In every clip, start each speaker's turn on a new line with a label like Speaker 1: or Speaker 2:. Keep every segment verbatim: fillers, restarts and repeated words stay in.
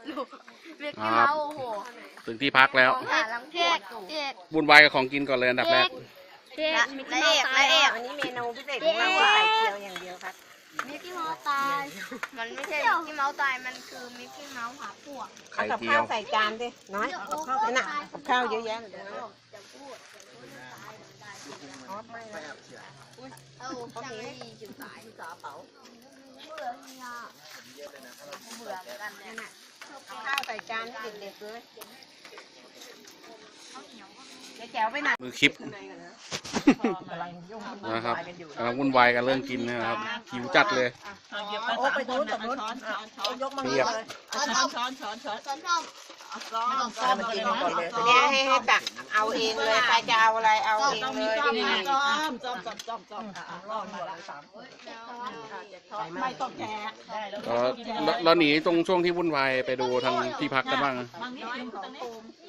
Speaker 1: เรียกที่เราโอ้โห
Speaker 2: ถึงที่พักแล้ว
Speaker 1: หาลังเทศเอก
Speaker 2: วุ่นวายกับของกินก่อนเลยอันดับแรก
Speaker 1: เอกและเอกและเอก
Speaker 3: อันนี้เมนูพิเศษของเราไข่เจียวอย่างเดียวครับ
Speaker 1: มิกกี้เมาส์ตายมันไม่ใช่มิกกี้เมาส์ตายมันคือมิกกี้เมาส์หาพวก
Speaker 2: ไข่
Speaker 3: เอากับ
Speaker 2: เจี
Speaker 3: ข้า
Speaker 2: ยว ว
Speaker 3: ใส่จานดิน้อยนั่นน่ะกับข้าวเยอะแยะเลย
Speaker 1: เออจังไม่ดีจุดตายกระเป๋าเบื่อเนี่ยเบื่อกันเนี่ย
Speaker 3: ข้าวใส่จานให้เด็กๆเลยเดี๋ยวแจ๋วไปไหน
Speaker 2: มือคลิปนะครับกำลังวุ่นวายกันเรื่องกินนะครับหิวจัดเลย
Speaker 3: โอ้ไปนู้นกับนู้นยกมาเลยช้อนช้อนช้อนช้อน
Speaker 1: ช้อนช้อน
Speaker 3: ช้อนช้อนกินก่อนเลยเนี่ยให้ให้ตักเอาเองเลยใครจะเอาอะไรเอาเองเลย
Speaker 4: จอมจอมจอมจอมจอมรอดมาละสามคนไม่ต้องแกะได้แล้ว
Speaker 2: เราเราหนีตรงช่วงที่วุ่นวายไปดูทางที่พักกันบ้าง
Speaker 4: บางนิดนึงตรงนี้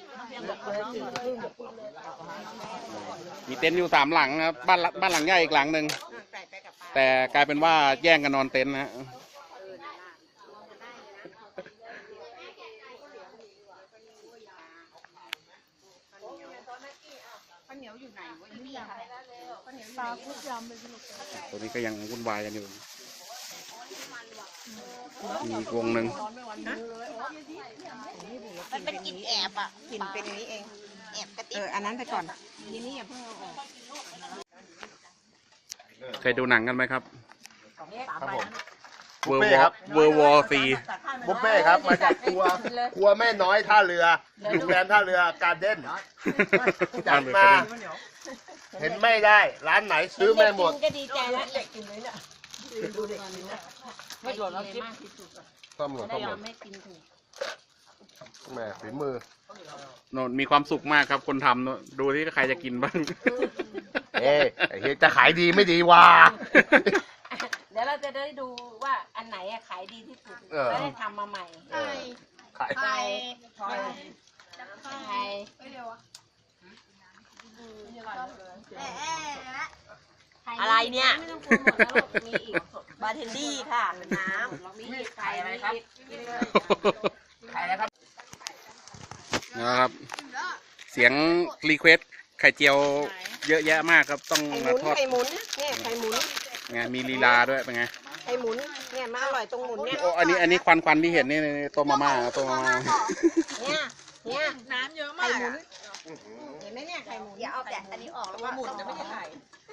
Speaker 2: มีเต็นท์อยู่สามหลังครับบ้านหลังบ้านหลังใหญ่อีกหลังหนึ่งแต่กลายเป็นว่าแย่งกันนอนเต็นท์นะฮะตอนนี้ก็ยังวุ่นวายกันอยู่มีอีกวงหนึ่ง
Speaker 3: มันเป็นกลิ่นแอบอ่ะกลิ่นเป็นอย่างนี้เองแอบกระติบเอออันนั้นไปก่อนทีนี้อย่าเพิ่งเอาออก
Speaker 2: เคยดูหนังกันไหมครับ
Speaker 5: ครับผม
Speaker 2: เวอร์
Speaker 5: บุฟ
Speaker 2: ว
Speaker 5: เฟ่
Speaker 2: อ
Speaker 5: ครับ
Speaker 2: เวอร์วอซี
Speaker 5: บุฟเฟ่ครับมาจากครัวครัวแม่น้อยท่าเรือโรงแรมท่าเรือการ์เด้นจัดมาเห็นไม่ได้ ร้านไหนซื้อไม่หมด
Speaker 3: ก็ดีใจแล้วเด็กกินเลยเนี่ยดูเด็กกินนะ
Speaker 4: ไม่หล่นแล้วจิ๊บ
Speaker 5: ต้มหมดต้มหมด
Speaker 3: ไม่กินถูก
Speaker 5: แหม่ฝีมือ
Speaker 2: โนนมีความสุขมากครับคนทำโน่นดูที่ใครจะกินบ้าง
Speaker 5: เอ๊ะไอ้เฮ้ยจะขายดีไม่ดีวะ
Speaker 3: เดี๋ยวเราจะได้ดูว่าอันไหนอะขายดีที่สุดแล้วได้ทำมาใหม่
Speaker 5: เออขาย
Speaker 1: ไข่
Speaker 3: ไข่ อะไรเนี่ยไม่ต้องกลัวหมดแล้วมีอีกบาร์เทนดี้ค่ะน้ำมีไข่อะไรครับไข่อะไรครับ
Speaker 2: นะครับ เสียงรีเควสไข่เจียวเยอะแยะมากครับต้อง
Speaker 3: ไข่ห
Speaker 2: มา
Speaker 3: มุน
Speaker 2: ทอด
Speaker 3: ไข่หมุนเนี่ยไข่หมุน
Speaker 2: ไงมีลีลาด้วยเป็นไง
Speaker 3: ไข่หมุนเนี่ยมาอร่อยตรงหมุนเนี่ย
Speaker 2: โอ้อันนี้อันนี้ควันควันที่เห็นนี่ต้มมาม่าต้มมาม่า
Speaker 3: เนี่ยเนี่ย
Speaker 4: น้ำเยอะมา
Speaker 3: ไข่
Speaker 4: ก
Speaker 3: หมุนเห็นไหมเนี่ยไข่หมุน
Speaker 1: อย่าเอาแต่อันนี้ออกแล้ว
Speaker 4: หมุนจะไม่ใช่ไข่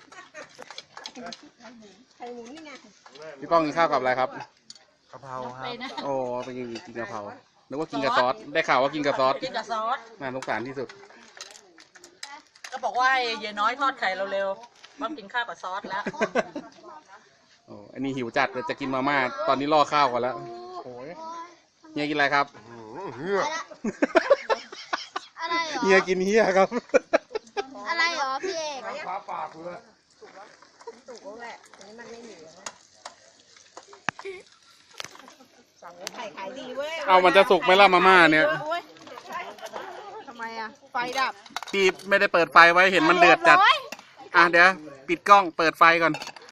Speaker 3: ไข่หมุนนี่ไง
Speaker 2: พี่ป้องกินข้าวกับอะไรครับ
Speaker 5: กะเพราครับ
Speaker 2: โอ้ไปกินกินกะเพรานึกว่ากินกับซอสได้ข่าวว่ากินกับซอส
Speaker 4: กินกับซอส
Speaker 2: น่าสงสารที่สุด
Speaker 4: ก็บอกว่าเยน้อยทอดไข่เร็วๆมากินข้าวกับซอสแล้ว
Speaker 2: โอ้อันนี้หิวจัดเลยจะกินมาม่าตอนนี้ล่อข้าวก่อนแล้ว
Speaker 5: โอ้ย
Speaker 2: เฮียกินอะไรครับ
Speaker 5: หือเหือ
Speaker 1: อะไรเหรอ
Speaker 2: เฮียกินเฮียครับ
Speaker 1: อะไรเหรอพี่เอก
Speaker 5: ฟ้าปากเลย
Speaker 3: ถูกแล้วแหละอันนี้มันไม่เหลือสั่งไข่ขายดีเว้ย
Speaker 2: เอามันจะสุกไหมล่ะมาม่าเนี่ย
Speaker 3: ทำไมอะไฟดับ
Speaker 2: พี่ไม่ได้เปิดไฟไว้เห็นมันเดือดจัด อ่ะเดี๋ยวปิดกล้องเปิดไฟก่อน